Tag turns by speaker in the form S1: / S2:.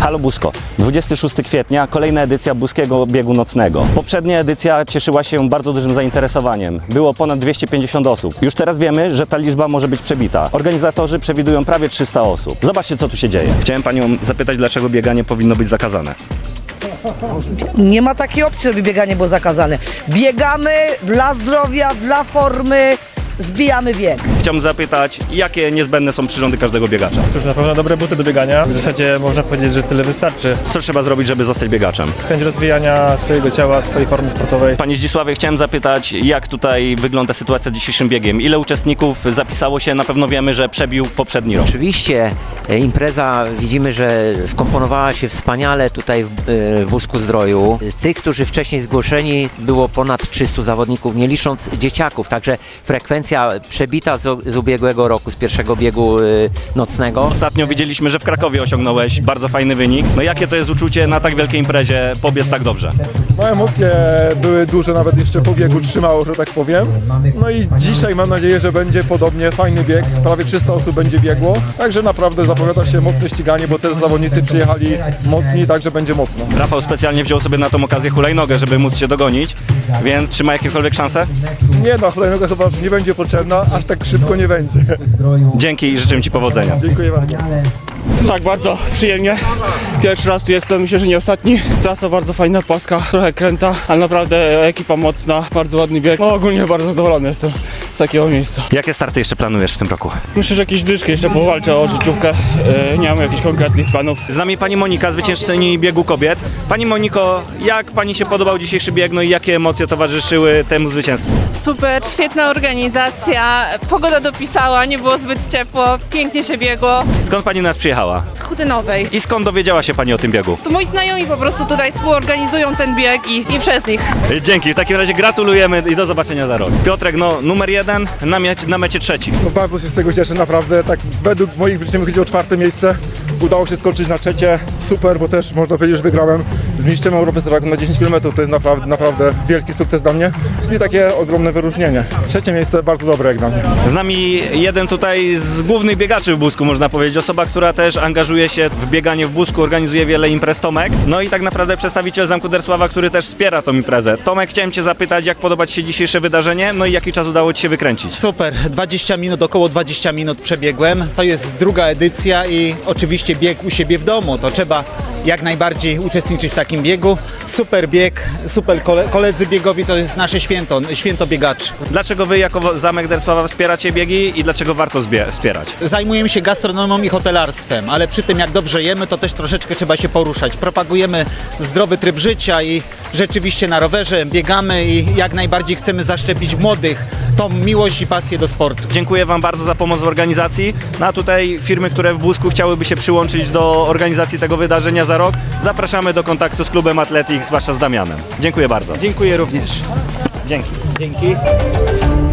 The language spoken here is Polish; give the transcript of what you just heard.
S1: Halo Busko, 26 kwietnia, kolejna edycja Buskiego Biegu Nocnego. Poprzednia edycja cieszyła się bardzo dużym zainteresowaniem. Było ponad 250 osób. Już teraz wiemy, że ta liczba może być przebita. Organizatorzy przewidują prawie 300 osób. Zobaczcie, co tu się dzieje. Chciałem Panią zapytać, dlaczego bieganie powinno być zakazane.
S2: Nie ma takiej opcji, żeby bieganie było zakazane. Biegamy dla zdrowia, dla formy, zbijamy wiek.
S1: Chciałbym zapytać, jakie niezbędne są przyrządy każdego biegacza?
S3: Cóż, na pewno dobre buty do biegania. W zasadzie można powiedzieć, że tyle wystarczy.
S1: Co trzeba zrobić, żeby zostać biegaczem?
S3: Chęć rozwijania swojego ciała, swojej formy sportowej.
S1: Panie Zdzisławie, chciałem zapytać, jak tutaj wygląda sytuacja z dzisiejszym biegiem? Ile uczestników zapisało się? Na pewno wiemy, że przebił poprzedni rok.
S4: Oczywiście impreza widzimy, że wkomponowała się wspaniale tutaj w Busku Zdroju. Z tych, którzy wcześniej zgłoszeni, było ponad 300 zawodników, nie licząc dzieciaków, także frekwencja przebita z ubiegłego roku, z pierwszego biegu nocnego.
S1: Ostatnio widzieliśmy, że w Krakowie osiągnąłeś bardzo fajny wynik. No jakie to jest uczucie na tak wielkiej imprezie pobiec tak dobrze?
S5: No emocje były duże, nawet jeszcze po biegu trzymało, że tak powiem. No i dzisiaj mam nadzieję, że będzie podobnie fajny bieg. Prawie 300 osób będzie biegło, także naprawdę zapowiada się mocne ściganie, bo też zawodnicy przyjechali mocni, także będzie mocno.
S1: Rafał specjalnie wziął sobie na tą okazję hulajnogę, żeby móc się dogonić, więc czy ma jakiekolwiek szanse?
S5: Nie no, hulajnoga chyba nie będzie potrzebna, aż tak szybko nie będzie.
S1: Dzięki i życzę Ci powodzenia.
S5: Dziękuję bardzo.
S6: Tak, bardzo przyjemnie. Pierwszy raz tu jestem, myślę, że nie ostatni. Trasa bardzo fajna, płaska, trochę kręta, ale naprawdę ekipa mocna, bardzo ładny bieg. No, ogólnie bardzo zadowolony jestem z takiego miejsca.
S1: Jakie starty jeszcze planujesz w tym roku?
S6: Myślę, że jakieś dyszki jeszcze powalczę o życiówkę. Nie mam jakichś konkretnych planów.
S1: Z nami Pani Monika, zwyciężczyni biegu kobiet. Pani Moniko, jak Pani się podobał dzisiejszy bieg, no i jakie emocje towarzyszyły temu zwycięstwu?
S7: Super, świetna organizacja, pogoda dopisała, nie było zbyt ciepło, pięknie się biegło.
S1: Skąd Pani nas przyjechała?
S7: Z Chutynowej.
S1: I skąd dowiedziała się Pani o tym biegu?
S7: To moi znajomi po prostu tutaj współorganizują ten bieg i przez nich.
S1: Dzięki, w takim razie gratulujemy i do zobaczenia za rok. Piotrek, no numer 1, na mecie 3.
S5: No bardzo się z tego cieszę, naprawdę. Tak według moich wyliczeń chodziło o 4. miejsce. Udało się skoczyć na 3. Super, bo też można powiedzieć, że wygrałem z mistrzem Europy na 10 km. To jest naprawdę wielki sukces dla mnie i takie ogromne wyróżnienie. 3. miejsce bardzo dobre jak dla mnie.
S1: Z nami jeden tutaj z głównych biegaczy w Busku, można powiedzieć. Osoba, która też angażuje się w bieganie w Busku, organizuje wiele imprez, Tomek. No i tak naprawdę przedstawiciel Zamku Dersława, który też wspiera tą imprezę. Tomek, chciałem Cię zapytać, jak podoba Ci się dzisiejsze wydarzenie, no i jaki czas udało Ci się wykręcić?
S8: Super, 20 minut, około 20 minut przebiegłem. To jest druga edycja i oczywiście bieg u siebie w domu. To trzeba jak najbardziej uczestniczyć w takim biegu. Super bieg, super koledzy biegowi, to jest nasze święto biegaczy.
S1: Dlaczego Wy jako Zamek Dersława wspieracie biegi i dlaczego warto wspierać?
S8: Zajmujemy się gastronomią i hotelarstwem, ale przy tym jak dobrze jemy, to też troszeczkę trzeba się poruszać. Propagujemy zdrowy tryb życia i rzeczywiście na rowerze biegamy i jak najbardziej chcemy zaszczepić w młodych tą miłość i pasję do sportu.
S1: Dziękuję Wam bardzo za pomoc w organizacji. No a tutaj firmy, które w Busku chciałyby się przyłączyć do organizacji tego wydarzenia za rok, zapraszamy do kontaktu z klubem Athletics, zwłaszcza z Damianem. Dziękuję bardzo.
S8: Dziękuję również.
S1: Dzięki.
S8: Dzięki.